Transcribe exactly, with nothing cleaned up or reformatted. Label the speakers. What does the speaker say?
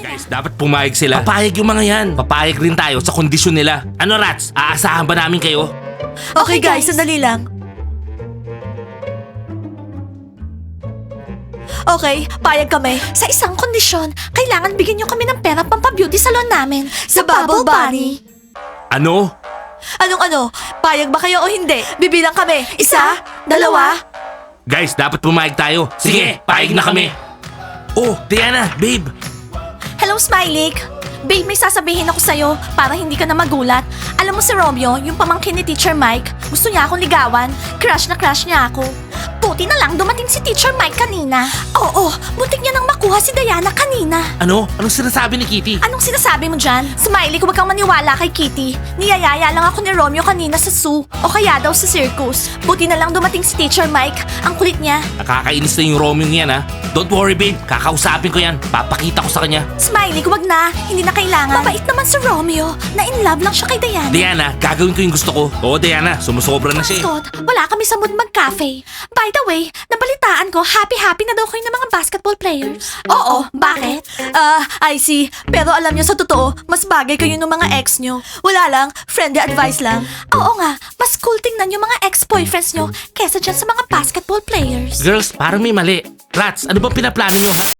Speaker 1: Guys, dapat pumayag sila. Papayag yung mga yan. Papayag rin tayo sa kondisyon nila. Ano, Rats? Aasahan ba namin kayo?
Speaker 2: Okay, guys, sandali lang. Okay, payag kami. Sa isang kondisyon, kailangan bigyan nyo kami ng pera pampabeauty salon namin. Sa Bubble Bunny.
Speaker 1: Ano?
Speaker 2: Anong ano? Payag ba kayo o hindi? Bibilang kami. Isa, dalawa.
Speaker 1: Guys, dapat pumayag tayo. Sige, payag na kami. Oh, Diana, babe.
Speaker 2: Hello, Smiley. Babe, may sasabihin ako sa'yo para hindi ka na magulat. Alam mo si Romeo, yung pamangkin ni Teacher Mike, gusto niya akong ligawan. Crush na crush niya ako. Buti na lang dumating si Teacher Mike kanina. Oo, butik niya nang makuha si Diana kanina.
Speaker 1: Ano? Anong sinasabi ni Kitty?
Speaker 2: Anong sinasabi mo dyan? Smiley, huwag kang maniwala kay Kitty. Niyayaya lang ako ni Romeo kanina sa zoo o kaya daw sa circus. Buti na lang dumating si Teacher Mike. Ang kulit niya.
Speaker 1: Nakakainis na yung Romeo niyan, ha? Don't worry, babe. Kakausapin ko yan. Papakita ko sa kanya.
Speaker 2: Smiley, huwag na. Hindi na kailangan. Mabait naman si Romeo. Na in love lang siya kay Diana.
Speaker 1: Diana, gagawin ko yung gusto ko. Oo, Diana. Sumusobra na siya. eh.
Speaker 2: Scott, wala kami sa mood mag-cafe. By the way, nabalitaan ko, happy-happy na daw kayo ng mga basketball players. Oo, bakit? Ah, I see. Pero alam niyo sa totoo, mas bagay kayo ng mga ex niyo. Wala lang, friendly advice lang. Oo nga, mas cool tingnan yung mga ex-boyfriends niyo kesa dyan sa mga basketball players.
Speaker 1: Girls, parang may mali. Rats, ano ba pinaplano nyo, ha?